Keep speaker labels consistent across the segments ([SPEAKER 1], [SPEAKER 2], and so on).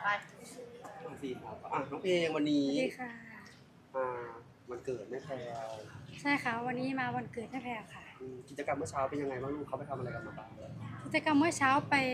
[SPEAKER 1] สี่ครับน้องเพลงวันนี้
[SPEAKER 2] สวัสดีค่ะ
[SPEAKER 1] วันเกิดแม่แพรว
[SPEAKER 2] ใช่ค่ะวันนี้มาวันเกิดแม่แพรค่ะ
[SPEAKER 1] กิจกรรมเมื่อเช้าเป็นยังไงบ้างลูกเขาไปทำอะไรกันมาบ้าง
[SPEAKER 2] กิจกรรมเมื่อเช้า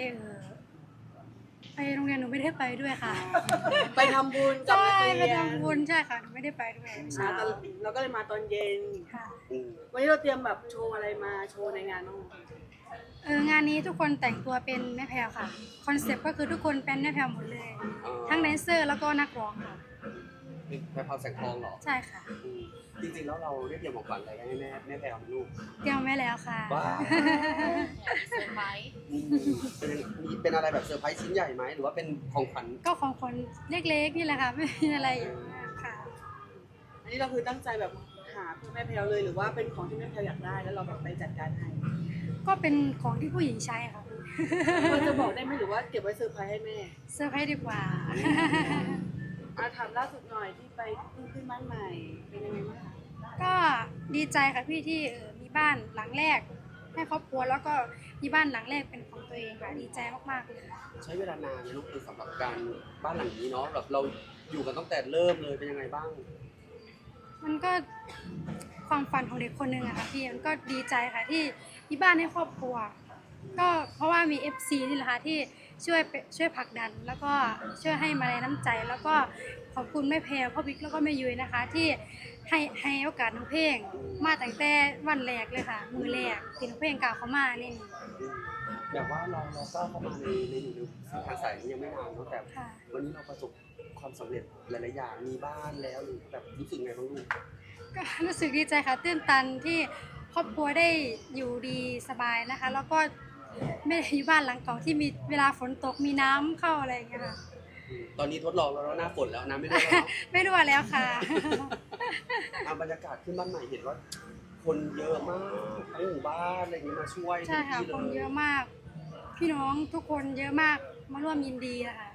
[SPEAKER 2] ไปโรงเรียนหนูไม่ได้ไปด้วยค่ะ
[SPEAKER 3] ไปทำบุญกับ
[SPEAKER 2] ใช่
[SPEAKER 3] นักเรียน
[SPEAKER 2] ไปทำบุญใช่ค่ะหนูไม่ได้ไปด้วยเช้า
[SPEAKER 3] เราก็เลยมาตอนเย็น
[SPEAKER 2] ค่ะ
[SPEAKER 3] วันนี้เราเตรียมแบบโชว์อะไรมาโชว์ในงานบ้าง
[SPEAKER 2] งานนี้ทุกคนแต่งตัวเป็นแม่แพรวค่ะคอนเซ็ปต์ก็คือทุกคนเป็นแม่แพรวหมดเลยทั้งแดนเซอร์แล้วก็นักร้องค่ะ
[SPEAKER 1] แม่แพรวแสงทองเหรอ
[SPEAKER 2] ใช่ค่ะ
[SPEAKER 1] จริงๆแล้วเราได้เตรียมของขวัญอะไรให้แม่แพรวลูก
[SPEAKER 2] เตรียมไว้แล้วค่ะ
[SPEAKER 1] ว้า
[SPEAKER 4] เซอร์ไพรส์
[SPEAKER 1] เป็นอะไรแบบเซอร์ไพรส์ชิ้นใหญ่ไหมหรือว่าเป็นของขวัญ
[SPEAKER 2] ก็ของคนเล็กๆนี่แหละค่ะไม่มีอะไรค่ะ
[SPEAKER 3] อันนี้เราคือตั้งใจแบบหาเพื่อแม่แพลวเลยหรือว่าเป็นของที่แม่แพลวอยากได้แล้วเราแบบไปจัดการให้
[SPEAKER 2] ก็เป็นของที่ผู้หญิงใช้ค่ะ
[SPEAKER 3] เราจะบอกได้ไหมหรือว่าเก็บไว้เซอร์ไพรส์ให้แม่
[SPEAKER 2] เซอร์ไพรส์ดีกว่า
[SPEAKER 3] ถามล่าสุดหน่อยที่ไปเพิ่งขึ้นบ้านใหม่เป็นยังไงบ้างคะ
[SPEAKER 2] ก็ดีใจค่ะพี่ที่มีบ้านหลังแรกให้ครอบครัวแล้วก็มีบ้านหลังแรกเป็นของตัวเองค่ะดีใจมากๆเลย
[SPEAKER 1] ใช้เวลานานไหมลูกคือสำหรับการบ้านหลังนี้เนาะแบบเราอยู่กันตั้งแต่เริ่มเลยเป็นยังไงบ้าง
[SPEAKER 2] มันก็ความฝันของเด็กคนหนึ่งอะค่ะพี่มันก็ดีใจค่ะที่มีบ้านให้ครอบครัวก็เพราะว่ามี FC นี่แหละค่ะที่ช่วยผลักดันแล้วก็ช่วยให้มาลัยน้ำใจแล้วก็ขอบคุณแม่แพรพ่อบิ๊กแล้วก็แม่ยุ้ยนะคะที่ให้โอกาสน้องเพลงมาตั้งแต่วันแรกเลยค่ะมือแรกที่น้องเพลงกล่าวเขามานี่
[SPEAKER 1] แบบว่าเราก็เข้ามาในอยู่ในทางสายนี้ยังไม่นานเนาะแต่วันนี้เราประสบความสำเร็จหลายๆอย่างมีบ้านแล้วหรือแบบรู้สึกไงบ้างลูก
[SPEAKER 2] ก็รู้สึกดีใจค่ะตื้นตันที่ครอบครัวได้อยู่ดีสบายนะคะแล้วก็ไม่ได้อยู่บ้านหลังเก่าที่มีเวลาฝนตกมีน้ำเข้าอะไรอย่างเงี้ยค่ะ
[SPEAKER 1] ตอนนี้ทดลองแล้วหน้าฝนแล้วน้ำไม่รั่วแล้ว
[SPEAKER 2] ไม่รั่วแล้วค่ะ
[SPEAKER 1] บรรยากาศขึ้นบ้านใหม่เห็นว่าคนเยอะมากทั้งหมู่บ้านอะไรอย่างนี้มาช่วย
[SPEAKER 2] ใช่ค่ะคนเยอะมากพี่น้องทุกคนเยอะมากมาร่วมยินดีนะคะ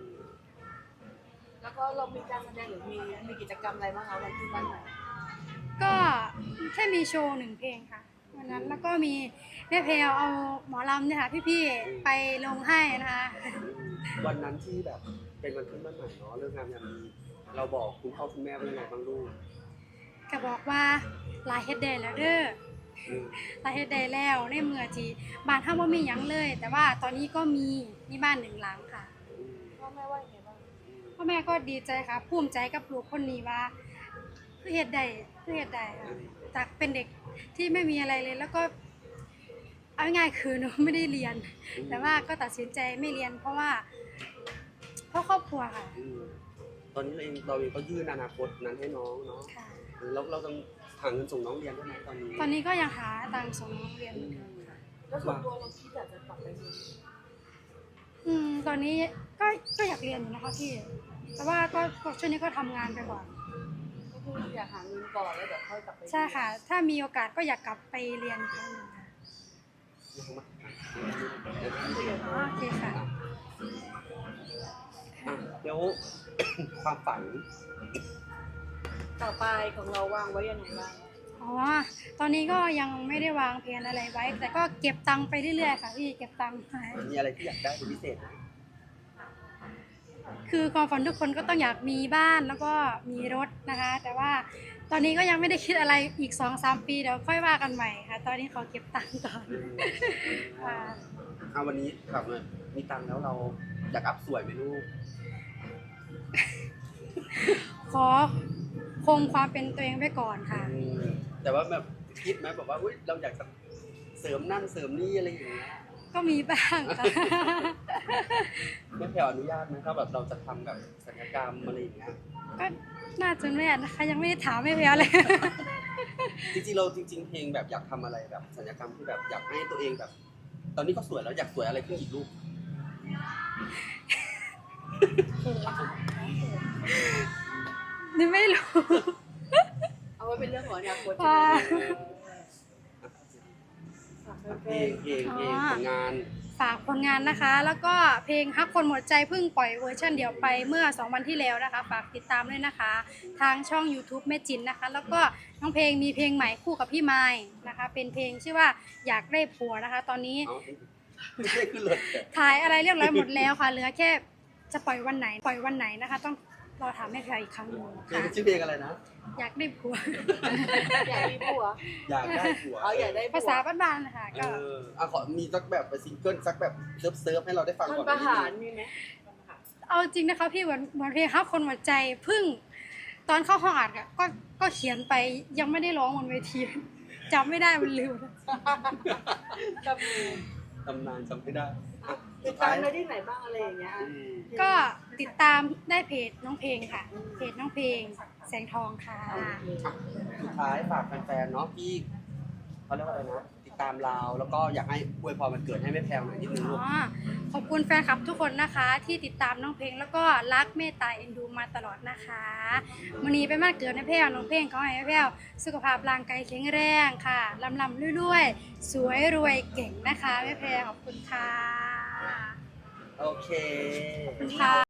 [SPEAKER 3] แล้วก็เรามีการแสดงหรือมีกิจกรรมอะไรบ้างคะวันขึ้นบ้านใหม่
[SPEAKER 2] ก็แค่มีโชว์1 เพลงค่ะวันนั้นแล้วก็มีแม่แพรวเอาหมอลำเนี่ยค่ะพี่ๆไปลงให้นะคะ
[SPEAKER 1] วันนั้นที่แบบเป็นวันขึ้นบ้านใหม่เนาะเรื่องงานยามดีเราบอกคุณพ่อคุณแม่ว่ายังไงบ้างลูก
[SPEAKER 2] ก็บอกว่าลายเฮ็ดได้แล้วเด้อลายเฮ็ดได้แล้วในเมื่อที่บ้านเฮาบ่มีหยังเลย แต่ว่าตอนนี้ก็มีบ้าน1 หลังค่ะ
[SPEAKER 3] พ่อแม่ว่ายังไงบ้าง
[SPEAKER 2] พ่อแม่ก็ดีใจค่ะภูมิใจกับลูกคนนี้ว่าคือเฮ็ดได้ค่ะจากเป็นเด็กที่ไม่มีอะไรเลยแล้วก็เอาง่ายๆคือหนูไม่ได้เรียนแต่ว่าก็ตัดสินใจไม่เรียนเพราะครอบครัวค่ะ
[SPEAKER 1] ตอนนี้เราเองก็ยื่นอนาคตนั้นให้น้องเนาะเราต้องหาเงินส่งน้องเรียนได้ไหม
[SPEAKER 2] ตอนนี้ก็ยังหาตังค์ส่งน้องเรียนค่ะ
[SPEAKER 3] แล้วส่วนตัวเราคิดอยากจะกลับไปเรียน
[SPEAKER 2] ตอนนี้ก็อยากเรียนอยู่นะคะพี่แต่ว่าก็ช่วงนี้ก็ทำงานไปก่อน
[SPEAKER 3] ก็คืออยากหาเงินก่อนแล้วเดี๋ยวค่อยกลับไป
[SPEAKER 2] ใช่ค่ะถ้ามีโอกาสก็อยากกลับไปเรียนครั้งนึงค่ะโอเคค่ะ
[SPEAKER 1] เดี๋ยวความฝัน
[SPEAKER 3] ต่อไปของเราวางไว้ยังไงบ้าง
[SPEAKER 2] ตอนนี้ก็ยังไม่ได้วางแผนอะไรไว้แต่ก็เก็บตังค์ไปเรื่อยๆค่ะพี่เก็บตังค์ไป
[SPEAKER 1] มีอะไรที่อยากได้เป็นพิเศษไหม
[SPEAKER 2] คือความฝันทุกคนก็ต้องอยากมีบ้านแล้วก็มีรถนะคะแต่ว่าตอนนี้ก็ยังไม่ได้คิดอะไรอีก 2-3 ปีเดี๋ยวค่อยว่ากันใหม่ค่ะตอนนี้ขอเก็บตังค์ก่อน
[SPEAKER 1] วันนี้ครับมีตังค์แล้วเราอยากอัพสวยไหมลูก
[SPEAKER 2] ขอคงความเป็นตัวเองไว้ก่อนค่ะ
[SPEAKER 1] แต่ว่าแบบคิดไหมแบบว่าเราอยากจะเสริมนั่นเสริมนี่อะไรอย่างเงี้ย
[SPEAKER 2] ก็มีบ้างค่ะ
[SPEAKER 1] แม่แพรอนุญาตไหมถ้าแบบเราจะทำแบบศัลยกรรมอะไรอย่างเงี้ย
[SPEAKER 2] ก็น่าจะไม่นะคะยังไม่ได้ถามแม่แพรเลย
[SPEAKER 1] จริงๆเพลงแบบอยากทำอะไรแบบศัลยกรรมที่แบบอยากให้ตัวเองแบบ ตอนนี้ก็สวยแล้วอยากสวยอะไรขึ้นอีกลูก
[SPEAKER 2] นี่ไม่รู้
[SPEAKER 3] เอาไว้เป็นเรื่องของอนาคต
[SPEAKER 1] เพลงผลงาน
[SPEAKER 2] ฝากผลงานนะคะแล้วก็เพลงฮักคนหมดใจเพิ่งปล่อยเวอร์ชันเดียวไปเมื่อ2 วันที่แล้วนะคะฝากติดตามด้วยนะคะทางช่อง YouTube แม่จินนะคะแล้วก็น้องเพลงมีเพลงใหม่คู่กับพี่ไม้นะคะเป็นเพลงชื่อว่าอยากได้ผัวนะคะตอนนี้ถ่ายอะไรเรียบร้อยหมดแล้วค่ะเหลือแค่จะปล่อยวันไหนนะคะ ต้องรอถามแม่แพรวอีกครั้งหนึ่ง
[SPEAKER 1] เพลง
[SPEAKER 2] ค่ะ
[SPEAKER 1] ชื่อเพลงอะไรนะ
[SPEAKER 2] อยากได้ผัว
[SPEAKER 3] อยากมีผัว
[SPEAKER 1] อยากได้ผัว
[SPEAKER 3] อ๋ออยากได้ผัว
[SPEAKER 2] ภาษาบ้านๆนะคะ
[SPEAKER 1] เอ
[SPEAKER 2] ก็
[SPEAKER 1] ขอมีสักแบบไปซิงเกิลสักแบบเซิร์ฟให้เราได้ฟัง
[SPEAKER 3] ท่อน
[SPEAKER 1] ก่อน
[SPEAKER 3] ประหาร
[SPEAKER 1] นิดนึง
[SPEAKER 3] มีไหม
[SPEAKER 2] เอาจริงนะคะพี่เหมือนเพลงฮักคนหัวใจเพิ่งตอนเข้าห้องอัดอะก็เขียนไปยังไม่ได้ร้องบนเวที จำไม่ได้มันลืม
[SPEAKER 3] กับมี
[SPEAKER 1] ตำนานจำไม่ได้อ่ะ
[SPEAKER 3] ติ
[SPEAKER 1] สุ
[SPEAKER 3] ด
[SPEAKER 1] ด
[SPEAKER 3] ตา
[SPEAKER 1] ท้าม ย
[SPEAKER 3] ได้ที่ไหนบ้างอะไรอย่างเงี้ย
[SPEAKER 1] อืม
[SPEAKER 2] ก็ติดตามได้เพจน้องเพลงค่ะ เพจน้องเพลงแสงทองค่ะ
[SPEAKER 1] สุดท้ายฝากแฟนๆเนาะที่เขาเรียกว่าอะไรนะติดตามเราแล้วก็อยากให้อวยพรวันเกิดให้แม่แพรวหน่อยนิดนึงลูก
[SPEAKER 2] ขอบคุณแฟนคลับทุกคนนะคะ ที่ติดตามน้องเพลงแล้วก็รักเมตตาเอ็นดูมาตลอดนะคะวันนี้เป็นวันเกิดในแพรวน้องเพลงขอให้แม่แพรวสุขภาพร่างกายแข็งแรงค่ะลำๆรวยๆสวยรวยเก่งนะคะแม่แพรวขอบคุณค่ะ
[SPEAKER 1] โอเค
[SPEAKER 2] ขอบคุณค่ะ